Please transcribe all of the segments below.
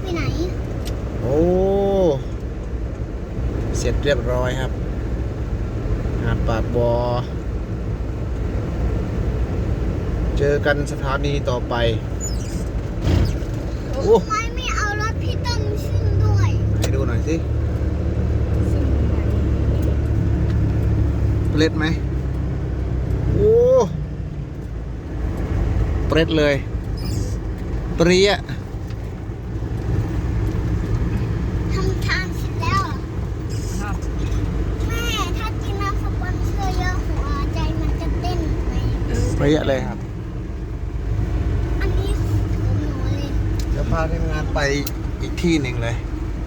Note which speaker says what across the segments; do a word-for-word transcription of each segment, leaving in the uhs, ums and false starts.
Speaker 1: ที่ไหน
Speaker 2: โอ้เสร็จเรียบร้อยครับหาดปากบอเจอกันสถานีต่อไปโอ้
Speaker 1: ทำไมไม่เอารถพี่ต้นขึ้นด้วย
Speaker 2: ให้ดูหน่อยสิเปรตไหมโอ้เปรตเลยเปรี้ย
Speaker 1: ทำทานเสร็จแล้วเหรอแม่ถ้ากินน้ำสปอนเซอร์เยอะหัวใจมันจะเต้นไหม
Speaker 2: เปรี้ยเลยครับ
Speaker 1: อันนี้ของหนูเลย
Speaker 2: จะพาทีมงานไปอีกที่หนึ่งเลย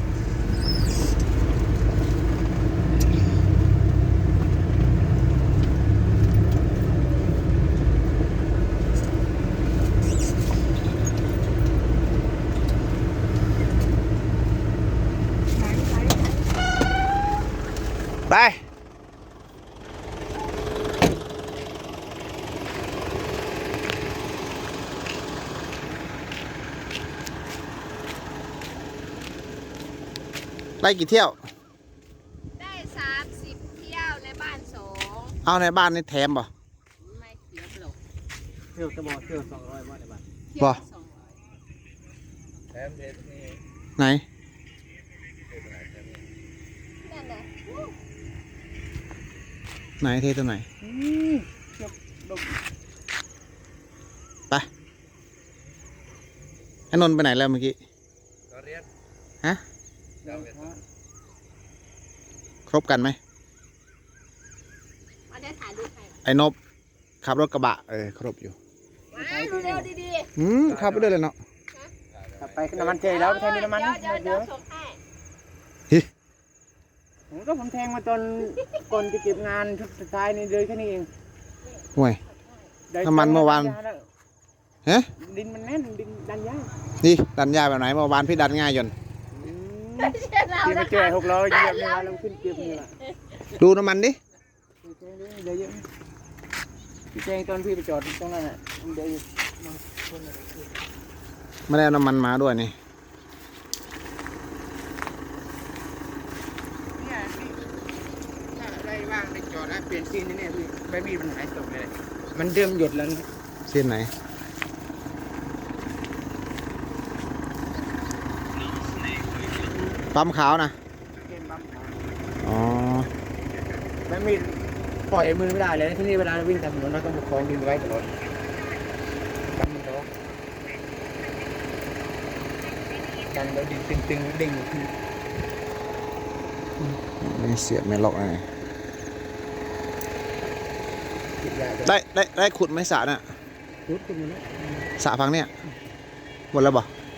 Speaker 2: ไปไล่กี่เที่ยว
Speaker 3: ได้สามสิบเที่ยวในบ้านสอง
Speaker 2: เอาในบ้านนี่แถมบ่
Speaker 3: ไม่เสียเปล่า
Speaker 4: เที่ยวจะบอกเที่ยวสองร้อยบาทในบ้าน
Speaker 3: เที่ยวละสองร้อย
Speaker 4: แถมเทสนี่
Speaker 2: ไหน
Speaker 3: นั่นแหละ
Speaker 2: ไหนเทตัวไหน
Speaker 4: อืมเที่ยวดม
Speaker 2: ไปไอ้นนท์ไปไหนแล้วเมื่อกี้
Speaker 4: ก็เรียน
Speaker 2: ฮะ
Speaker 4: เจ้าเรียน
Speaker 2: ครบกันไหม
Speaker 3: มาได้ถ่ายรูปให้
Speaker 2: ไอ้นบขับรถกระบะเออครบอยู่
Speaker 3: มาดูเร็วดี
Speaker 2: อืมขับไปด้วยเลยเนาะ
Speaker 4: ขับไป
Speaker 3: ๆ
Speaker 4: น้ำมันเจแล้วไม่ใช่มีน้ำมัน
Speaker 3: เดี๋ยวเดี๋ยวเดี๋ยวส่งให้
Speaker 4: ผมก็ผมแทงมาตอนก่อนจะเก็บงานชุดสุดท้ายนี่เลยแค่นี้เอง
Speaker 2: ห่วย
Speaker 4: ได้
Speaker 2: น้ำมันเมื่อวาน ฮะ
Speaker 4: ดินมันแน่นดินดันยาก
Speaker 2: นี่ดันยาแบบไหนเมื่อวานพี่ดันง่ายยน
Speaker 4: อืม
Speaker 3: เชื่อเรา
Speaker 4: ที่
Speaker 3: นะ
Speaker 4: มาเจอหกล้อเหยียบนี่ว่าเราขึ้นเก็บนี่แหละ
Speaker 2: ดูน้ำมันดิ
Speaker 4: เดี๋ยวเยอะพี่แจงตอนพี่ไปจอดตรงนั้นอ่ะเดี๋ยว
Speaker 2: ไม่ได้เอาน้ำมันมาด้วยนี่
Speaker 4: เนี่ยพี่ถ้าอะไรว่างไปจอดนะเปลี่ยนซีนนี่เนี่ยพี่ใบมีดมันหายตกเลย มันเดิมหยดแล้วนะ
Speaker 2: เส้นไหนปั๊มขาวนะ
Speaker 4: เกมปั๊มขาว
Speaker 2: อ๋อ
Speaker 4: ใบมีดปล่อยมือไม่ได้เลยที่นี่เวลาวิ่งตามถนนเราต้องประคองดินไว้ตลอดกันมันร้องกันแล้วดินตึงๆเด้งขึ้น
Speaker 2: ไม่เสียบไม่ล็อกอะไร
Speaker 4: ติดยาจะ
Speaker 2: ได้ได้ได้ขุดไหมสระน่ะ
Speaker 4: รุดขึ้นมาแล้ว
Speaker 2: สระพังเนี่ยหมดแล้วบ่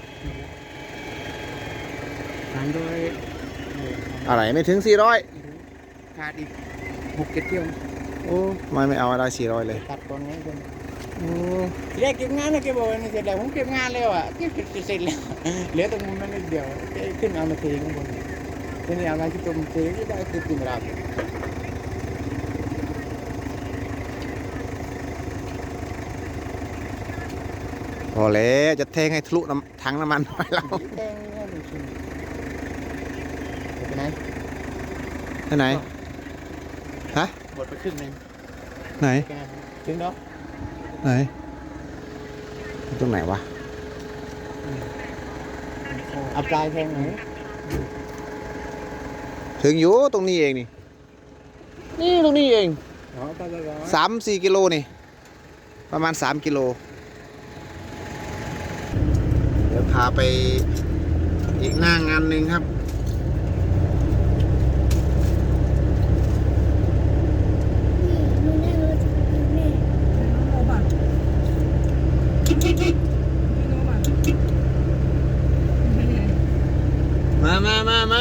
Speaker 4: สามร้อย
Speaker 2: อะไรไม่ถึงสี่ร้อย
Speaker 4: ขาดอีกหกเจ็ดเที่ยว
Speaker 2: โอ้ไม่ไม่เอาอะไรสี่ร้อยเลย
Speaker 4: ตัดก่อนไงคน
Speaker 2: โอ้
Speaker 4: ทีแรกเก็บงานนะแกบอกว่านี่เสร็จแล้วผมเก็บงานแล้วอ่ะเก็บเสร็จแล้วเหลือตรงมุมนั้นนิดเดียวแกขึ้นเอามาเทข้างบนทีนี้เอามาที่ตรงเทก็ได้คือติ่มราบ
Speaker 2: พอแล้วจะเทงให้ทะลุน้ำถังน้ำมันไปแล้ว
Speaker 4: แดงแค่หนึ่งชิ้นไปไหน
Speaker 2: ไปไหนฮะ
Speaker 4: หมดไปครึ่งหนึง
Speaker 2: ไหน
Speaker 4: แกถึงแล้ว
Speaker 2: ไหนตรงไหนวะ
Speaker 4: เอาปลายแทงหน่อย
Speaker 2: ถึงอยู่ตรงนี้เองนี่นี่ตรงนี้เอง
Speaker 4: อ๋อไปไปไป
Speaker 2: สามสี่กิโลนี่ประมาณสามกิโลเดี๋ยวพาไปอีกหน้างานหนึ่งครับ
Speaker 1: นี่ดูแน่เลยนี่
Speaker 2: มามามามา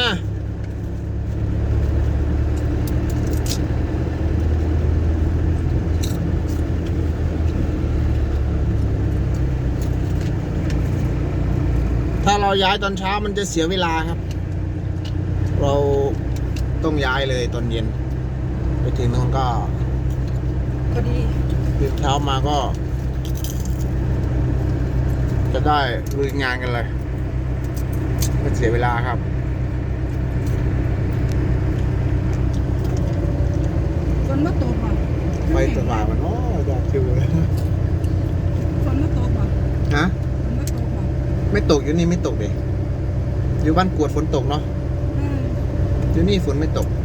Speaker 2: ถ้าเราย้ายตอนเช้ามันจะเสียเวลาครับ เราต้องย้ายเลยตอนเย็น ไปถึงนู้นก็
Speaker 3: ก็ดี
Speaker 2: ตื่นเช้ามาก็ จะได้ลุยงานกันเลยมันเสียเวลาครับ
Speaker 5: ฝนมาตกบ่
Speaker 2: ไปตลาดมันโอ้อยากชิวเลย
Speaker 5: ฝนมาตกบ่
Speaker 2: ฮะ
Speaker 5: ฝนมาตกบ่
Speaker 2: ไม่ตกอยู่นี่ไม่ตกเด็อยู่บ้านกวดฝนตกเนาะ
Speaker 5: อืม
Speaker 2: อยู่นี่ฝนไม่ตก
Speaker 5: อ